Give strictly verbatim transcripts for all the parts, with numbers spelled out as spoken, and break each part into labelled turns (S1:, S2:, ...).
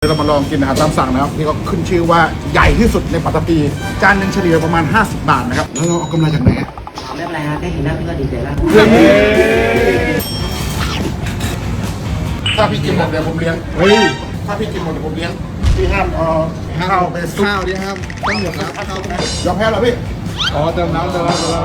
S1: เรามาลองกินอาหารตามสั่งนะครับที่เขาขึ้นชื่อว่าใหญ่ที่สุดในปัตตภีจานหนึ่งเฉลี่ยประมาณห้าสิบบาทนะครับแล้วเราเอากำไรจากไหนอ่ะ
S2: ไม่เป็นไรครับแค่เห็นหน้าพี่ก็ดีใจแล้ว
S1: ถ้าพี่กินหมดเดี๋ยวผมเลี้ยงเฮ้ยถ้าพี่กินหมดเดี๋ยวผมเลี้ยงพี่ห้ามเอาข้าวไปซุป
S3: ข้าวดิครับต้องหมดครับข้าวย
S1: อมแพ้เหรอพี่
S3: อ๋อเติมน้ำเติมน้ำเติมน้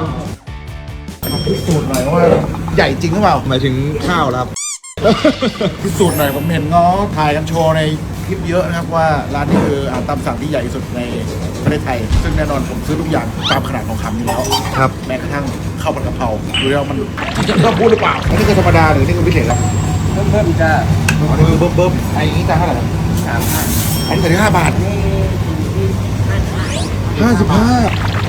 S1: พิสูจน์หน่อยว่าใหญ่จริงหรือเปล่า
S3: ำหมายถึงข้าวครับ
S1: พิสูจน์หน่อยผมเห็นเขาถ่ายกันโชว์ในคลิปเยอะนะครับว่าร้านนี้คืออาหารตามสั่งที่ใหญ่ที่สุดในประเทศไทย ซึ่งแน่นอนผมซื้อทุกอย่างตามขนาดของคำอยู่แล้ว
S3: ครับ
S1: แม้กระทั่งข้าวผัดกะเพราดูแล้วมันจะต้องพูดหรือเปล่าอันนี้คือธรรมดาหรือนี่คือพิเศษแล้ว
S2: เพิ่มเพิ่มจ้า
S1: อันนี้คือเบิ้มเบิ้มไอ้นี้จานเท่าไหร่
S2: สามพัน
S1: อันนี้แต่ที่ห้าบาท
S3: ห้าสิบห้า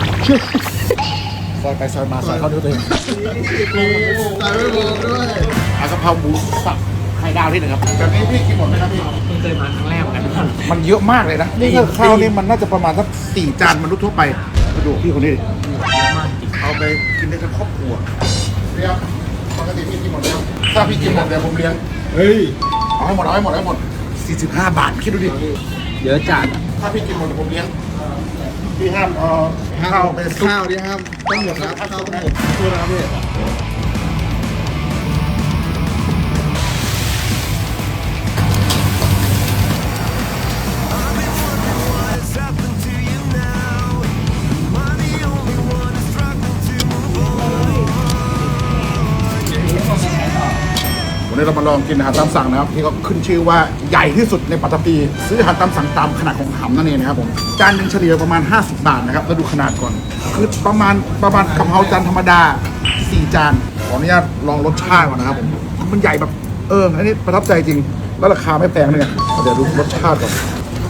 S1: ซอยไปซอยมาซอยเข้าด้วยตัวเอง
S3: ใส่ไม่บอกด้วย
S1: อากะเพราหมูสับไข่ดาวที่หนึ่งครับแบบนี้พี่กินหมดไหมครับพี่
S2: เพิ่งเคยมาครั้งแรกเหมือนกัน
S1: มันเยอะมากเลยนะนี่ถ้าข้าวนี่มันน่าจะประมาณสักสี่จานมนุษย์ทั่วไปมาดูพี่คนนี้ดิ
S2: เยอะมากจริง
S1: เอาไปกินได้ทั้งครอบครัวเรียบปกติพี่กินหมดแล้วถ้าพี่กินหมดเดี๋ยวผมเลี้ยง
S3: เฮ้ย
S1: เอาให้หมดเอาให้หมดเอาให้หมดสี่สิบห้าบาทคิดดูดิ
S2: เยอะจัด
S1: ถ้าพี่กินหมดเดี๋ยวผมเลี้ยงพี่ห้ามเอาข้าวไปซุป
S3: ข้าวดิครับต้องหมดครับข้าวต้องหมดพูดนะครับพี่
S1: วันนี้เรามาลองกินอาหารตามสั่งนะครับที่เขาขึ้นชื่อว่าใหญ่ที่สุดในปัตตภีซื้ออาหารตามสั่งตามขนาดของหำนั่นเองนะครับผมจานหนึ่งเฉลี่ยประมาณห้าสิบบาทนะครับแล้วดูขนาดก่อนคือประมาณประมาณกะเพราจานธรรมดาสี่จานขออนุญาตลองรสชาติก่อนนะครับผมมันใหญ่แบบเอออันนี้ประทับใจจริงแล้วราคาไม่แพงเลยเดี๋ยวดูรสชาติก่อน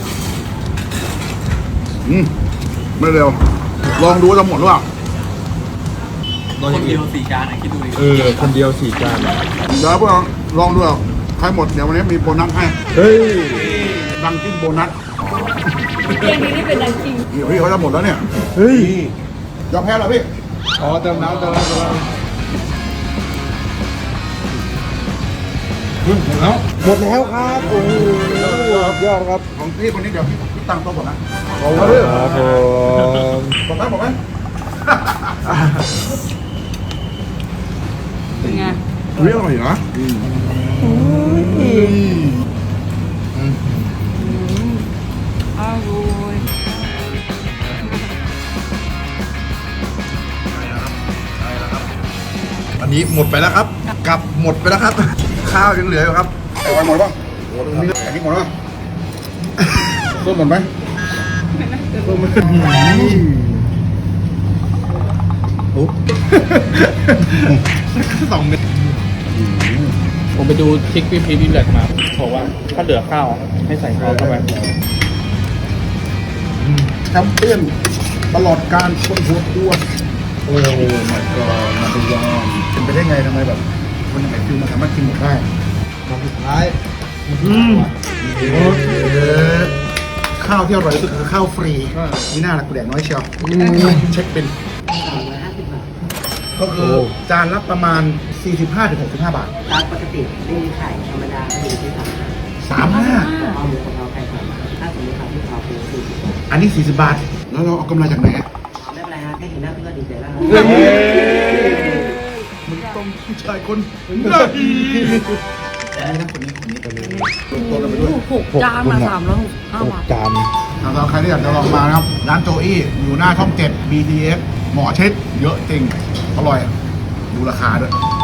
S1: อืมไม่เร็วลองดูว่าจะหมดหรือเปล่า
S2: คนเดียวสี่จานนะคิดดูดิ
S3: เออคนเดียวสี่จาน
S1: เดี๋ยวพวกเราลองดูเอาใครหมดเดี๋ยววันนี้มีโบนัสให้
S3: เฮ้ย
S1: ดังจิ้มโบนัส
S4: เกมนี้นี่เป็นดังจริง
S1: เดี๋ยวพี่เขาจะหมดแล้วเนี่ย
S3: เฮ้ย
S1: ยอมแพ้เหรอพี่
S3: อ๋อเติมน้ำเติมน้ำเติมน้ำหมดแล้วหมดแล้วครับโอ้โหยอดครับ
S1: ของพี่คนนี้เดี๋ยวพี่พี่ตั้งโต๊ะก่อนนะ
S3: ขอบคุณครับผม
S1: บอกไหมบอกไหม
S4: เป็นไง
S1: เรื่องอะไรเหรอ
S4: อร่อย
S3: อันนี้หมดไปแล้วครับกลับหมดไปแล้วครับ ข้าวยังเหลืออยู่ครับ
S1: ไอ้วันหมดป่ะโอ้โหตรงนี้ไอ้นี่หมดป่ะต้นหมดไหม
S3: โอ้สองเม็ด
S5: ผมไปดูทริกพี่พีพี่แบล็กมาบอกว่าถ้าเหลือข้าวให้ใส่ข้าวเข้าไป
S1: แชมเปี้ยนตลอดการคนหัวอ้วนโอ้ my god มาดูยอมเป็นไปได้ไงทำไมแบบคนอย่างไอ้ฟิวมันสามารถกินหมดได้
S3: คำสุดท้าย
S1: ข้าวที่อร่อยที่สุดคือข้าวฟรีมีหน้าละกูแดกน้อยเชียวเช็คเป็น
S2: สามร้อยห้าสิบบาท
S1: ก็คือจานละประมาณ สี่สิบห้าถึงหกสิบห้า บาท
S2: ร้านปกติไม่มีไข่ธรรมดาไม่มีที่สามพัน
S1: สามห้า
S2: เอาหมูกะเพราไข่สามพันถ้าสมมติทำที่กะเพราเป็นสี่สิบบาท
S1: อันนี้สี่สิบบาท แล้วเราเอากำไรจากไหนอะ
S2: ไม่เป็นไรครับแค่เห็นหน้าพี่ก็ดีใจแล้ว
S1: มึงต้องผู้ชายคนน่าดีนี่นะคนนี้คนนี้คนนี้ตัวเราไปด้วย
S4: หกจานมาสามร้อยหกห้าบาท
S3: จาน
S1: สำหรับใครที่อยากจะลองมานะครับ ร้านโจอี้อยู่หน้าช่องเจ็ด บี ที เอส หมอเช็ดเยอะจริง อร่อย ดูราคาด้วย